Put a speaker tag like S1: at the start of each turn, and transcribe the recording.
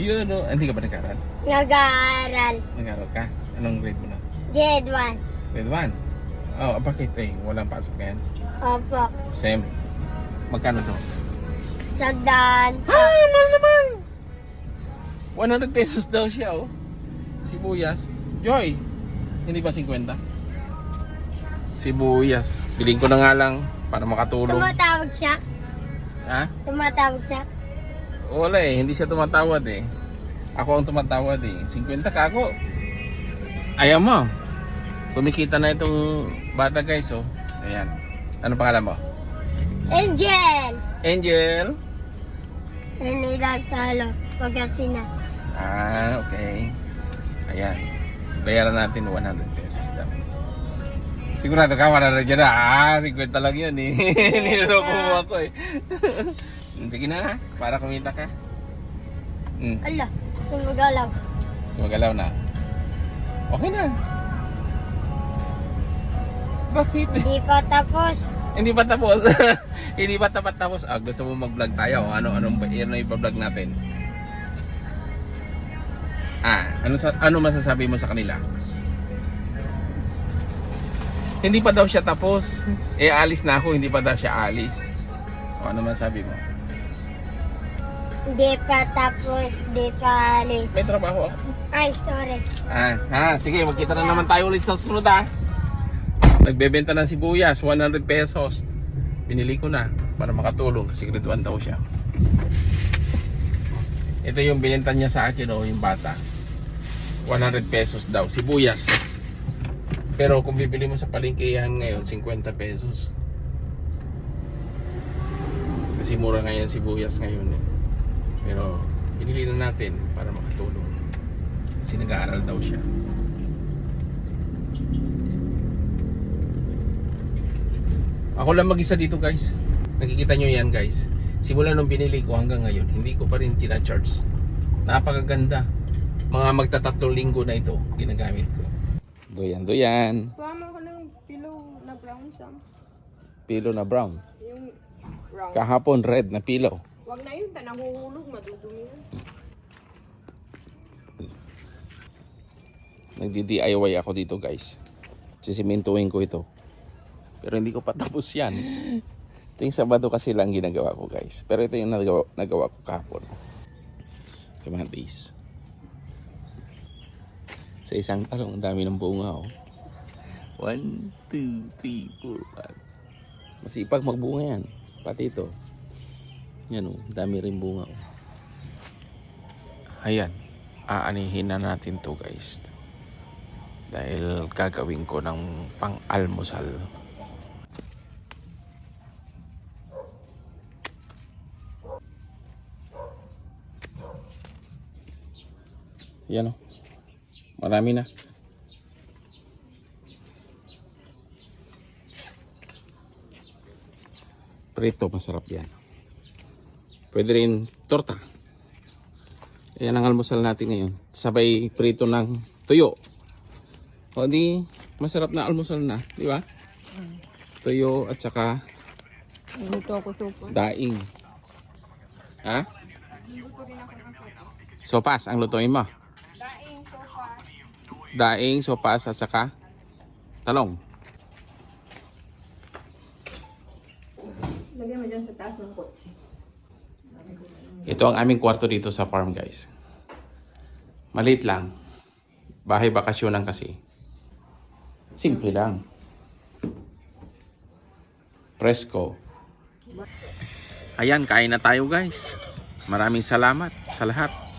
S1: Yun, no? Hindi ka ba nag-aaral?
S2: Nag-aaral.
S1: Nag-aaral ka? Anong grade mo na?
S2: Grade 1.
S1: Grade 1? Oh, bakit walang pasok ngayon?
S2: Opo.
S1: Same. Magkano to?
S2: Sagdan.
S1: Mahal naman! 100 pesos daw siya, oh. Sibuyas. Joy! Hindi ba 50? Sibuyas. Piling ko na nga lang para makatulong.
S2: Tumatawag siya.
S1: Ha?
S2: Tumatawag siya.
S1: Wala hindi siya tumatawad eh. Ako ang tumatawad eh. 50 ka ako. Ayaw mo. Kumikita na itong bata guys, oh. Ayan. Ano pangalan mo?
S2: Angel.
S1: Angel?
S2: Nila Salo. Pagkasina.
S1: Ah, okay. Ayan. Bayaran natin 100 pesos daw. Sigurado ka, 100 dyan na. 50 lang yun eh. Niloloko mo ako eh. Sige na, para kumita ka.
S2: Ala, tumagalaw.
S1: Gumagalaw na. Okay na. Bakit?
S2: Hindi pa tapos.
S1: Hindi pa tapos. Hindi pa tapos. Ah, gusto mo mag-vlog tayo? Anong i-vlog natin? Ano masasabi mo sa kanila? Hindi pa daw siya tapos. Alis na ako, hindi pa daw siya alis. O, ano masasabi mo?
S2: Hindi pa tapos, hindi pa alis.
S1: May trabaho ako.
S2: Ay, sorry.
S1: Sige, magkita na naman tayo ulit sa susunod Nagbebenta ng sibuyas, 100 pesos. Binili ko na para makatulong kasi grade 1 daw siya. Ito yung binenta niya sa akin, yung bata. 100 pesos daw, sibuyas. Pero kung bibili mo sa palengke yan ngayon, 50 pesos. Kasi mura ngayon sibuyas ngayon eh. Pero binili na natin para makatulong. Kasi nag-aaral daw siya. Ako lang mag-isa dito guys. Nakikita nyo yan guys. Simula nung binili ko hanggang ngayon, hindi ko pa rin tina-charge. Napakaganda. Mga magtatatlong linggo na ito ginagamit ko. Doyan.
S3: Pama ko ng pillow na brown siya.
S1: Pillow na brown.
S3: Yung brown.
S1: Kahapon red na pillow.
S3: Wag na yun, nahuhulog, madudumi yun.
S1: Nagdi-DIY ako dito guys. Sisimintuhin ko ito. Pero hindi ko pa tapos yan. Ito yung Sabado kasi lang ginagawa ko guys. Pero ito yung nagawa ko kahapon. Kamatis. Sa isang talong, ang dami ng bunga oh. 1, 2, 3, 4, 5. Masipag magbunga yan. Pati ito. Yan oh, dami rin bunga oh. Ayan. Aanihin na natin to guys. Dahil gagawin ko ng pang-almusal. Yan o. Marami na. Prito, masarap yan. Pwede rin torta. Yan ang almusal natin ngayon. Sabay prito ng tuyo. O di, masarap na almusal na. Di ba? Tuyo at saka
S3: Luto ako sopa.
S1: daing. Ha? Sopas ang lutuin mo.
S3: Daing sopa.
S1: Daing, sopas at saka talong.
S3: Lagyan mo dyan sa taas ng kotse.
S1: Ito ang aming kwarto dito sa farm guys. Maliit lang. Bahay bakasyonan kasi. Simple lang. Presko. Ayan, kain na tayo guys. Maraming salamat sa lahat.